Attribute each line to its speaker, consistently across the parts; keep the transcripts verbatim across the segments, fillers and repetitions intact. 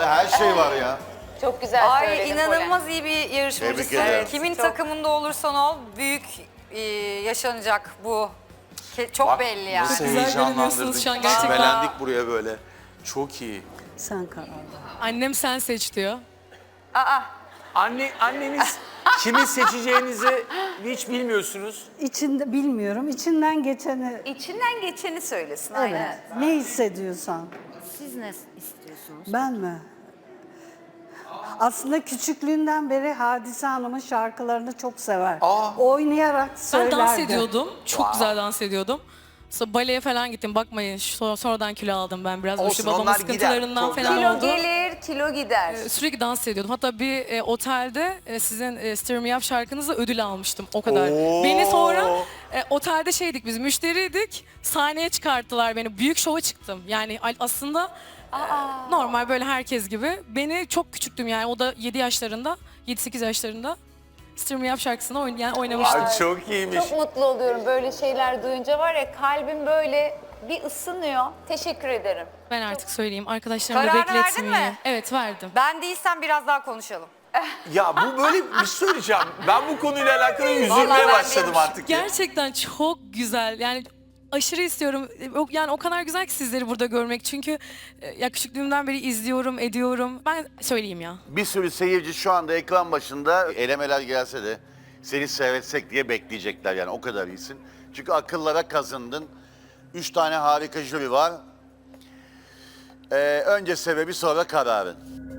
Speaker 1: Yani her şey var ya.
Speaker 2: Çok güzel
Speaker 3: Ay
Speaker 2: söyledin
Speaker 3: inanılmaz
Speaker 2: Polen.
Speaker 3: iyi bir
Speaker 1: Tebrik
Speaker 3: yarışmacısın.
Speaker 1: ederim.
Speaker 3: Kimin
Speaker 2: Çok.
Speaker 3: takımında olursan ol büyük e, yaşanacak bu. Ke- Çok
Speaker 1: Bak,
Speaker 3: belli yani.
Speaker 1: Nasıl
Speaker 4: Güzel
Speaker 1: heyecanlandırdın.
Speaker 4: görünüyorsunuz şu an gerçekten.
Speaker 1: Çimelendik buraya böyle. Çok iyi.
Speaker 5: Sen karar ver.
Speaker 4: Annem sen seç diyor.
Speaker 3: Aa,
Speaker 6: Anne, anneniz kimi seçeceğinizi hiç bilmiyorsunuz.
Speaker 5: İçinde bilmiyorum. İçinden geçeni.
Speaker 2: İçinden geçeni söylesin.
Speaker 5: Evet.
Speaker 2: Aynen.
Speaker 5: Ne hissediyorsan.
Speaker 2: Siz ne istiyorsunuz?
Speaker 5: Ben mi? Aslında küçüklüğünden beri Hadise Hanım'ın şarkılarını çok sever. Oynayarak
Speaker 4: Ben
Speaker 5: söylerdi.
Speaker 4: dans ediyordum. Çok güzel dans ediyordum. Sonra baleye falan gittim. Bakmayın sonra, sonradan kilo aldım ben biraz.
Speaker 6: Olsun,
Speaker 4: İşte babamın
Speaker 6: onlar gider.
Speaker 4: sıkıntılarından
Speaker 6: Çok
Speaker 4: falan
Speaker 2: Kilo
Speaker 4: oldu.
Speaker 2: gelir, kilo gider.
Speaker 4: Ee, Sürekli dans ediyordum. Hatta bir e, otelde e, sizin e, Stir Me Up şarkınızla ödül almıştım. O kadar.
Speaker 6: Oo.
Speaker 4: Beni sonra e, otelde şeydik biz müşteriydik. Sahneye çıkarttılar beni. Büyük şova çıktım. Yani a- aslında e, normal böyle herkes gibi. Beni çok küçüktüm yani. O da yedi yaşlarında, yedi sekiz yaşlarında Stir Me Up şarkısını oyn yani oynamıştım.
Speaker 6: Ay çok iyiymiş.
Speaker 2: Çok mutlu oluyorum böyle şeyler duyunca var ya kalbim böyle bir ısınıyor. Teşekkür ederim.
Speaker 4: Ben artık söyleyeyim. Arkadaşlarımı da
Speaker 3: Kararını verdin
Speaker 4: bekletmeyeyim.
Speaker 3: mi?
Speaker 4: Evet verdim.
Speaker 3: ben değilsem biraz daha konuşalım.
Speaker 6: Ya bu böyle bir şey söyleyeceğim. Ben bu konuyla alakalı
Speaker 3: Vallahi
Speaker 6: üzülmeye
Speaker 3: ben
Speaker 6: başladım
Speaker 3: değilmiş.
Speaker 6: artık. ya.
Speaker 4: Gerçekten çok güzel. Yani aşırı istiyorum. O- Yani o kadar güzel ki sizleri burada görmek. Çünkü e, ya küçüklüğümden beri izliyorum, ediyorum. Ben söyleyeyim ya.
Speaker 1: Bir sürü seyirci şu anda ekran başında elemeler gelse de seni seyretsek diye bekleyecekler yani o kadar iyisin. Çünkü akıllara kazındın. Üç tane harika jüri var. Ee, önce sebebi sonra kararın.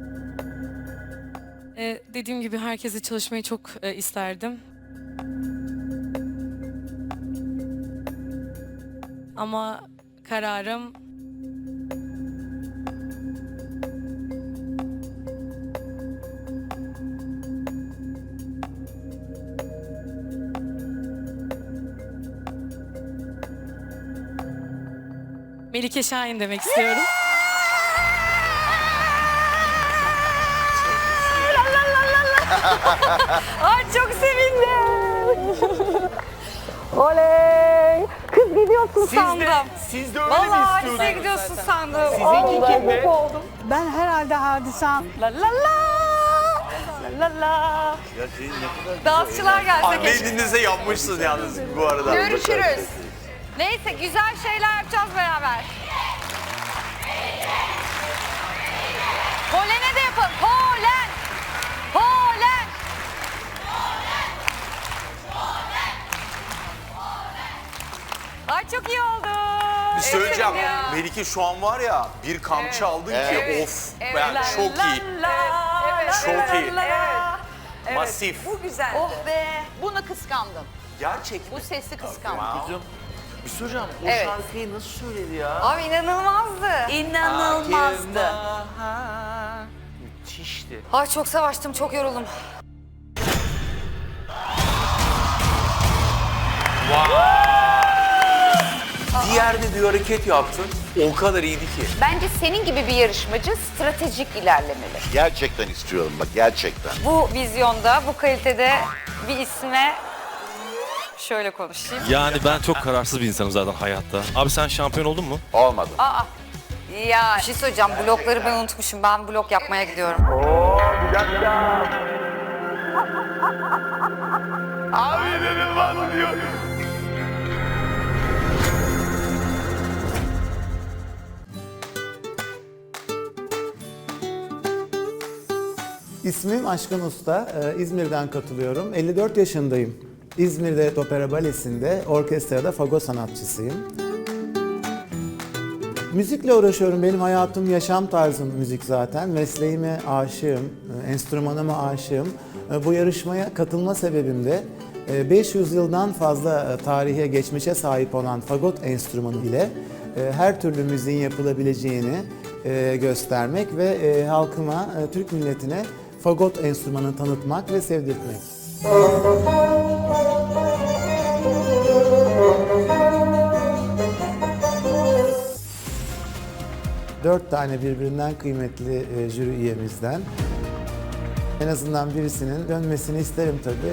Speaker 4: E, dediğim gibi herkese çalışmayı çok e, isterdim. Ama kararım Melike Şahin demek istiyorum.
Speaker 3: Ay çok sevindim. Oley. Kız gidiyorsun sandım.
Speaker 6: Siz de öyle
Speaker 3: Vallahi
Speaker 6: mi
Speaker 3: Hadise'ye
Speaker 6: istiyordunuz?
Speaker 3: gidiyorsun sandım.
Speaker 6: Sizinki kimdi?
Speaker 5: Ben herhalde Hadise Hanım.
Speaker 3: La la la. La la la.
Speaker 1: Ya senin ne kadar
Speaker 3: Dansçılar gelse
Speaker 6: Anne
Speaker 3: keşke.
Speaker 6: elinize yanmışsınız yalnız bu arada.
Speaker 2: Görüşürüz.
Speaker 3: Neyse güzel şeyler yapacağız beraber. Polen'e de yapalım. Polen. Polen. Ay çok iyi oldu.
Speaker 6: Bir şey söyleyeceğim.
Speaker 3: Evet.
Speaker 6: Melike şu an var ya bir kamçı aldın ki
Speaker 1: Evet.
Speaker 6: of.
Speaker 3: Evet.
Speaker 6: Yani
Speaker 3: La
Speaker 6: çok
Speaker 3: la
Speaker 6: iyi.
Speaker 3: la.
Speaker 2: Evet,
Speaker 6: Çok
Speaker 3: La
Speaker 6: iyi.
Speaker 3: la la.
Speaker 6: Masif.
Speaker 2: Bu güzeldi.
Speaker 3: Oh be.
Speaker 2: Bunu kıskandım.
Speaker 6: Gerçek
Speaker 2: Bu sesi kıskandım.
Speaker 1: Kızım, bir şey soracağım. O
Speaker 2: Evet.
Speaker 1: şarkıyı nasıl söyledi ya?
Speaker 3: Abi inanılmazdı.
Speaker 2: İnanılmazdı.
Speaker 6: Müthişti.
Speaker 3: Ay çok savaştım, çok yoruldum.
Speaker 6: Diğer de bir hareket yaptın. O kadar iyiydi ki.
Speaker 2: Bence senin gibi bir yarışmacı stratejik ilerlemeli.
Speaker 1: Gerçekten istiyorum bak gerçekten.
Speaker 3: Bu vizyonda, bu kalitede bir isme şöyle konuşayım.
Speaker 7: Yani ben çok kararsız bir insanım zaten hayatta. Abi sen şampiyon oldun mu?
Speaker 1: Olmadı.
Speaker 3: Ya bir şey söyleyeceğim, blokları ben unutmuşum. Ben blok yapmaya gidiyorum.
Speaker 6: Abi inanılmaz diyor.
Speaker 8: İsmim Aşkın Usta, Ee, İzmir'den katılıyorum. elli dört yaşındayım. İzmir'de Opera Balesi'nde, orkestrada fagot sanatçısıyım. Müzikle uğraşıyorum. Benim hayatım, yaşam tarzım müzik zaten. Mesleğime aşığım, e, enstrümanıma aşığım. E, Bu yarışmaya katılma sebebim de e, beş yüz yıldan fazla e, tarihe, geçmişe sahip olan fagot enstrümanı ile e, her türlü müziğin yapılabileceğini e, göstermek ve e, halkıma, e, Türk milletine fagot enstrümanını tanıtmak ve sevdirtmek. Dört tane birbirinden kıymetli e, jüri üyemizden. En azından birisinin dönmesini isterim tabii.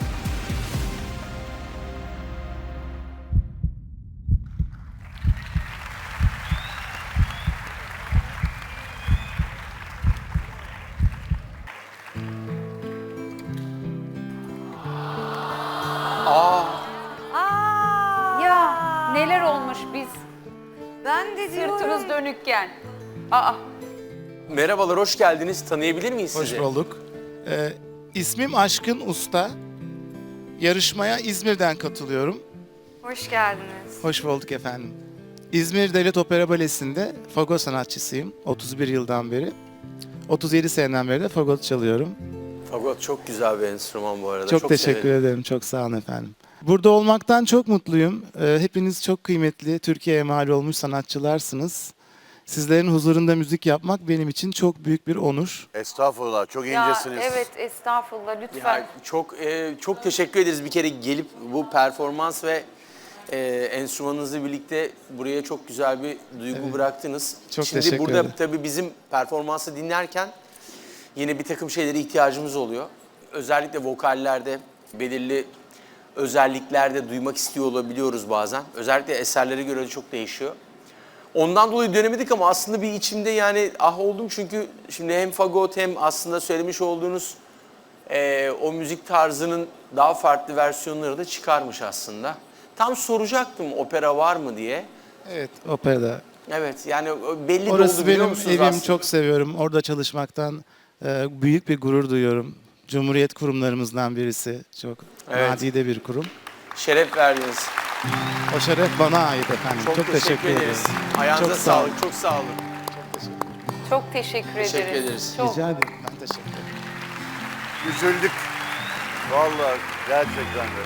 Speaker 3: dönükken. Aa,
Speaker 6: Merhabalar, hoş geldiniz. Tanıyabilir miyiz
Speaker 9: Hoş
Speaker 6: sizi?
Speaker 9: bulduk. Ee, ismim Aşkın Usta. Yarışmaya İzmir'den katılıyorum.
Speaker 3: hoş geldiniz.
Speaker 9: Hoş bulduk efendim. İzmir Devlet Opera Balesi'nde fagot sanatçısıyım. otuz bir yıldan beri. otuz yedi seneden beri de fagot çalıyorum.
Speaker 6: Fagot çok güzel bir enstrüman bu arada.
Speaker 9: Çok, teşekkür
Speaker 6: severim.
Speaker 9: ederim. Çok sağ olun efendim. Burada olmaktan çok mutluyum. Ee, hepiniz çok kıymetli, Türkiye'ye mal olmuş sanatçılarsınız. Sizlerin huzurunda müzik yapmak benim için çok büyük bir onur.
Speaker 1: Estağfurullah, çok
Speaker 3: Ya
Speaker 1: incesiniz.
Speaker 3: evet, estağfurullah, lütfen.
Speaker 6: Ya, çok e, çok teşekkür ederiz bir kere gelip bu performans ve e, enstrümanınızla birlikte buraya çok güzel bir duygu bıraktınız.
Speaker 9: Çok
Speaker 6: Şimdi
Speaker 9: teşekkür
Speaker 6: burada
Speaker 9: ederim.
Speaker 6: tabii bizim performansı dinlerken yine bir takım şeylere ihtiyacımız oluyor. Özellikle vokallerde belirli özelliklerde duymak istiyor olabiliyoruz bazen. Özellikle eserlere göre de çok değişiyor. Ondan dolayı dönemedik ama aslında bir içimde yani ah oldum çünkü şimdi hem fagot hem aslında söylemiş olduğunuz e, o müzik tarzının daha farklı versiyonları da çıkarmış aslında. Tam soracaktım opera var mı diye.
Speaker 9: Evet, operada.
Speaker 6: Evet yani belli de
Speaker 9: Orası
Speaker 6: oldu biliyor
Speaker 9: benim
Speaker 6: musunuz
Speaker 9: evim,
Speaker 6: aslında?
Speaker 9: çok seviyorum. Orada çalışmaktan e, büyük bir gurur duyuyorum. Cumhuriyet kurumlarımızdan birisi. Çok
Speaker 6: Evet.
Speaker 9: nadide bir kurum.
Speaker 6: Şeref verdiniz.
Speaker 9: O şeref bana ait efendim.
Speaker 6: Çok, teşekkür, ederiz. Ayağınıza
Speaker 9: Çok sağ olun.
Speaker 6: sağlık. Çok sağ olun.
Speaker 3: Çok teşekkür,
Speaker 6: Teşekkür
Speaker 3: ederiz.
Speaker 6: ederiz.
Speaker 3: Çok.
Speaker 9: Rica ederim. Ben teşekkür ederim.
Speaker 1: Üzüldük. Vallahi gerçekten de.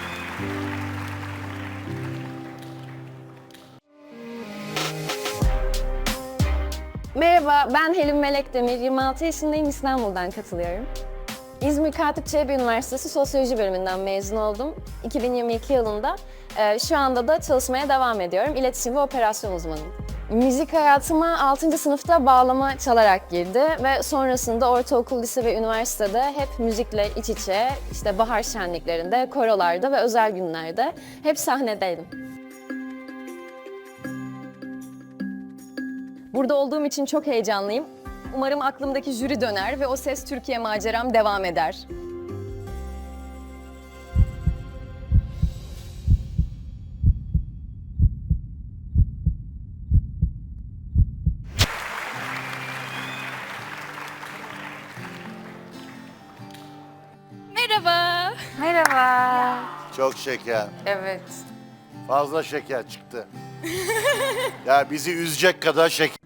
Speaker 10: Merhaba, ben Helin Melek Demir, yirmi altı yaşındayım, İstanbul'dan katılıyorum. İzmir Katip Çelebi Üniversitesi Sosyoloji bölümünden mezun oldum iki bin yirmi iki yılında. Ee, şu anda da çalışmaya devam ediyorum. İletişim ve operasyon uzmanıyım. Müzik hayatıma altıncı sınıfta bağlama çalarak girdi ve sonrasında ortaokul, lise ve üniversitede hep müzikle iç içe, işte bahar şenliklerinde, korolarda ve özel günlerde hep sahnedeydim. Burada olduğum için çok heyecanlıyım. Umarım aklımdaki jüri döner ve O Ses Türkiye maceram devam eder.
Speaker 3: Merhaba. Merhaba.
Speaker 1: Çok şeker.
Speaker 3: Evet.
Speaker 1: Fazla şeker çıktı. Ya bizi üzecek kadar şeker.